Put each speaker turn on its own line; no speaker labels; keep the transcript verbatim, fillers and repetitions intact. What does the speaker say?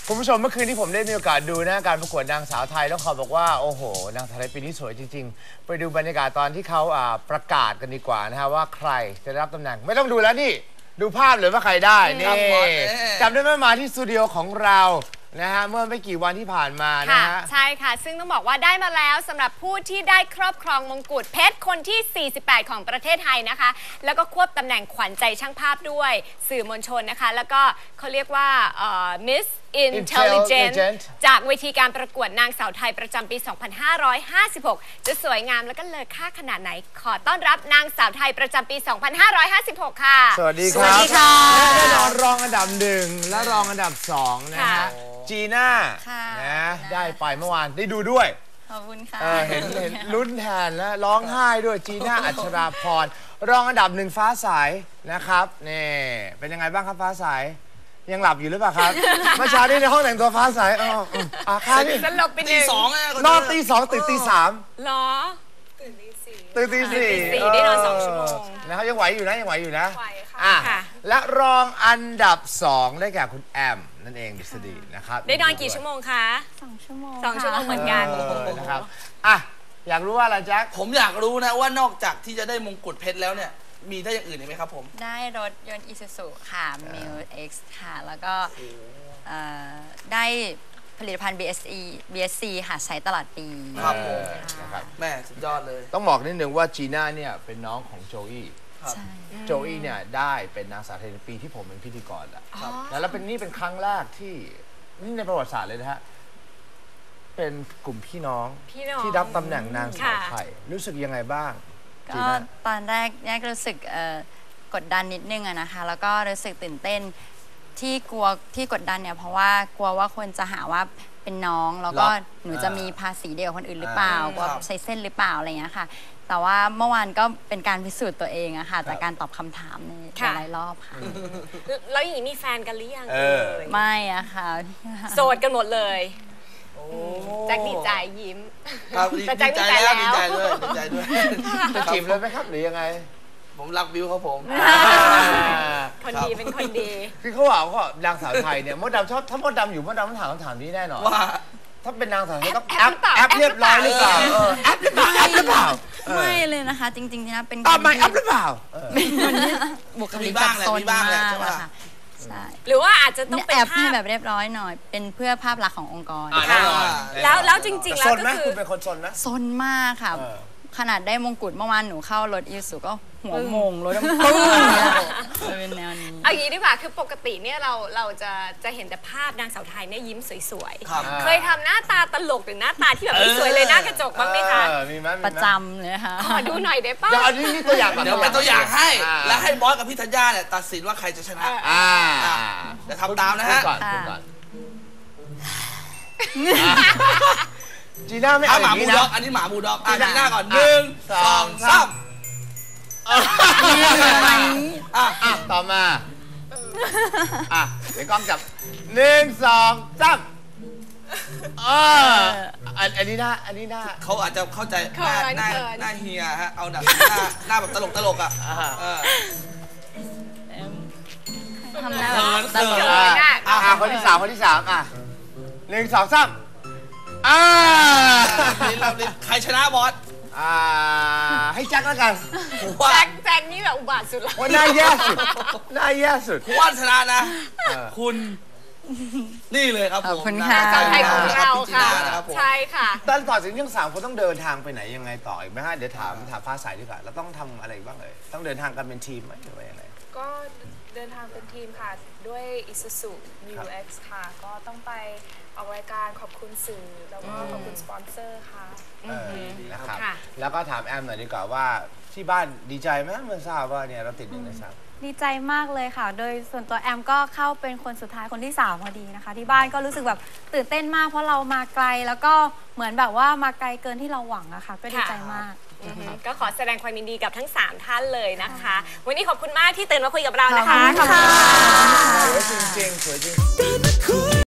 คุณผู้ชมเมื่อคืนที่ผมได้มีโอกาสดูนะการประกวดนางสาวไทยต้องขอบอกว่าโอ้โหนางสาวไทยปีนี้สวยจริงๆไปดูบรรยากาศตอนที่เขาประกาศกันดีกว่านะฮะว่าใครจะได้รับตำแหน่งไม่ต้องดูแล้วนี่ดูภาพเลยว่าใครได้นี่จำได้ไหมมาที่สตูดิโอของเรานะฮะเมื่อไม่กี่วันที่ผ่านมานะฮะ
ใช่ค่ะซึ่งต้องบอกว่าได้มาแล้วสำหรับผู้ที่ได้ครอบครองมงกุฎเพชรคนที่สี่สิบแปดของประเทศไทยนะคะแล้วก็ควบตำแหน่งขวัญใจช่างภาพด้วยสื่อมวลชนนะคะแล้วก็เขาเรียกว่า Miss Intelligent จากเวทีการประกวดนางสาวไทยประจำปี สองพันห้าร้อยห้าสิบหก จะสวยงามแล้วก็เลอค่าขนาดไหนขอต้อนรับนางสาวไทยประจำปี สองพันห้าร้อยห้าสิบหก ค่ะ
สวัสดีครับสวัสดีค่ะแน่นอนรองอันดับหนึ่งและรองอันดับสองนะฮะจีน่านะได้ไปเมื่อวานได้ดูด้วย
ขอบคุณค่ะ
เห็นเห็นลุ้นแทนและร้องไห้ด้วยจีน่าอัชราพรรองอันดับหนึ่งฟ้าใสนะครับนี่เป็นยังไงบ้างครับฟ้าใสยังหลับอยู่หรือเปล่าครับเมื่อเช้านี้ในห้องแต่งตัวฟ้าใสอ๋ออ่ะค่ะนี่
สลบไปหนึ่ง
ตีสอง
นอนตีสองตื่นตีสาม
หรอ
ตื่นตีสี่ตื่นตีสี่
ได้นอนสองชั่วโมง
นะครับยังไหวอยู่นะยังไหวอยู่นะ
ไหวค่ะ
และรองอันดับสองได้แก่คุณแอมนั่นเองดุษฎีนะครับ
ได้นอนกี่ชั่วโมงคะ
สองชั่วโมง
สองชั่วโมงเหมือนกัน
นะครับอ่ะอยากรู้ว่าอะไรแจ็ค
ผมอยากรู้นะว่านอกจากที่จะได้มงกุฎเพชรแล้วเนี่ยมีได้อย่างอื่นอีกไหมครับผม
ได้รถยนต์ Isuzu ค่ะ Mil X ค่ะแล้วก็ได้ผลิตภัณฑ์ บี เอส อี บี เอส ซี ค่ะใช้ตลอดปี
ครับผมแม่สุดยอดเลย
ต้องบอกนิดนึงว่าจีน่าเนี่ยเป็นน้องของโจอี้โจอี้เนี่ยได้เป็นนางสาวไทยในปีที่ผมเป็นพิธีกรแล้วแล้วเป็นนี่เป็นครั้งแรกที่นี่ในประวัติศาสตร์เลยนะฮะเป็นกลุ่มพี่น้องที่รับตำแหน่งนางสาวไทยรู้สึกยังไงบ้าง
ก็ตอนแรกเนี่ยรู้สึกกดดันนิดนึงอะนะคะแล้วก็รู้สึกตื่นเต้นที่กลัวที่กดดันเนี่ยเพราะว่ากลัวว่าคนจะหาว่าเป็นน้องแล้วก็หนูจะมีภาษีเดียวคนอื่นหรือเปล่ากลัวใช้เส้นหรือเปล่าอะไรเงี้ยค่ะแต่ว่าเมื่อวานก็เป็นการพิสูจน์ตัวเองอะค่ะจากการตอบคำถามในหลายรอบค่ะ
แล้วอย่างนี้มีแฟนกันหรือยัง
ไม่อะค่ะ
โสดกันหมดเลยแจ็คดีใจยิ้ม
แต่แจ็คดีใจแล้วดีใจด้วยดีใจด้วย
จะจีบเลยไหมครับหรือยังไง
ผมรักวิวครับผม
คนดีเป็นคนดี
คือเขาบอกว่านางสาวไทยเนี่ยมดดำชอบถ้ามดดำอยู่มดดำต้องถามคำถามนี้แน่นอนว่าถ้าเป็นนางสาวไทยต้องแอปแอปเรียบร้อยหรือเปล่าแอปหรือเปล่าแอปหรือเปล่า
ไม่เลยนะคะจริงๆนะเป็น
ตอบไม่แอปหรือเปล่า
เป็นคนที่บุคลิกแบบโซนมากใช่ไหม
ใช่หรือว่าอาจจะต้อง
แอบให้แบบเรียบร้อยหน่อยเป็นเพื่อภาพลักษณ์ขององค์กร
แล้วแล้วจริงๆแล้วก็คือ
คุณเป็นคนซนนะ
ซนมากค่ะขนาดได้มงกุฎเมื่อวานหนูเข้ารถอีซูก็หัวมงรถดำปึ้งเนี่ยเป็นแนวนี้
เอางี้ดีกว่าคือปกติเนี่ยเราเราจะจะเห็นแต่ภาพนางสาวไทยเนี่ยยิ้มสวยๆเคยทำหน้าตาตลกหรือหน้าตาที่แบบไม่สวยเลยหน้ากระจกบ้างไหมคะ
ประจำเลยค่ะ
ขอดูหน่อยได้ป่ะ
อันนี้มีตัวอย่าง
เดี๋ยวเป็นตัวอย่างให้แล้วให้บอสกับพี่ธัญญาเนี่ยตัดสินว่าใครจะชนะเดี๋ยวทำตามนะฮะ
จีน่าไม่เอาอย่างนี้นะ
อันนี้หมาบูด็อกอ่ะจีน่าก่อนหนึ่งสองสาม
อ่ะต่อมาอ่ะเดี๋ยวกล้องจับหนึ่งสองสามอ่าอันนี้หน้าอันนี้หน้า
เขาอาจจะเข้าใจหน้าหน้าหน้าเฮียฮะเอาแบบหน้าหน้าแบบตลกตลกอ่ะ
ทำหน้าตลก
อ่ะคนที่สามคนที่สามอ่ะหนึ่งสองสามอ่า
ใครชนะบอส
อ่าให้แจ็คแล้วกัน
แจ็คแจ็คนี่แบบอุบาทสุดแล้ว
ว่าน่าแย่สุดน่าแย่สุด
คุณว่าชนะนะคุณนี่เลยครับผม
คุณค่ะ
ไทยของเราค่ะใช่ค่ะ
ตอนต่อจากนี้ทั้งสามคนต้องเดินทางไปไหนยังไงต่ออีกไหมฮะเดี๋ยวถามถามฟ้าใสดีกว่าเราต้องทำอะไรบ้างเลยต้องเดินทางกันเป็นทีมไหมหรือว่ายังไง
ก็เดินทางเป็นทีมค่ะด้วย Isuzu Mil X ค่ะก็ต้องไปออกรายการขอบคุณสื่อแล้วก็ขอบคุณสปอนเซอร์ค่ะ
นะครับแล้วก็ถามแอมหน่อยดีกว่าว่าที่บ้านดีใจไหมเมื่อทราบว่าเนี่ยเราติดหนึ่งในสาม
ดีใจมากเลยค่ะโดยส่วนตัวแอมก็เข้าเป็นคนสุดท้ายคนที่สามพอดีนะคะที่บ้านก็รู้สึกแบบตื่นเต้นมากเพราะเรามาไกลแล้วก็เหมือนแบบว่ามาไกลเกินที่เราหวังอะค่ะก็ดีใจมาก
ก็ขอแสดงความยินดีกับทั้งสามท่านเลยนะคะวันนี้ขอบคุณมากที่ตื่นมาคุยกับเรานะคะ
ขอบคุณค่ะสวยจริงๆสวยจริง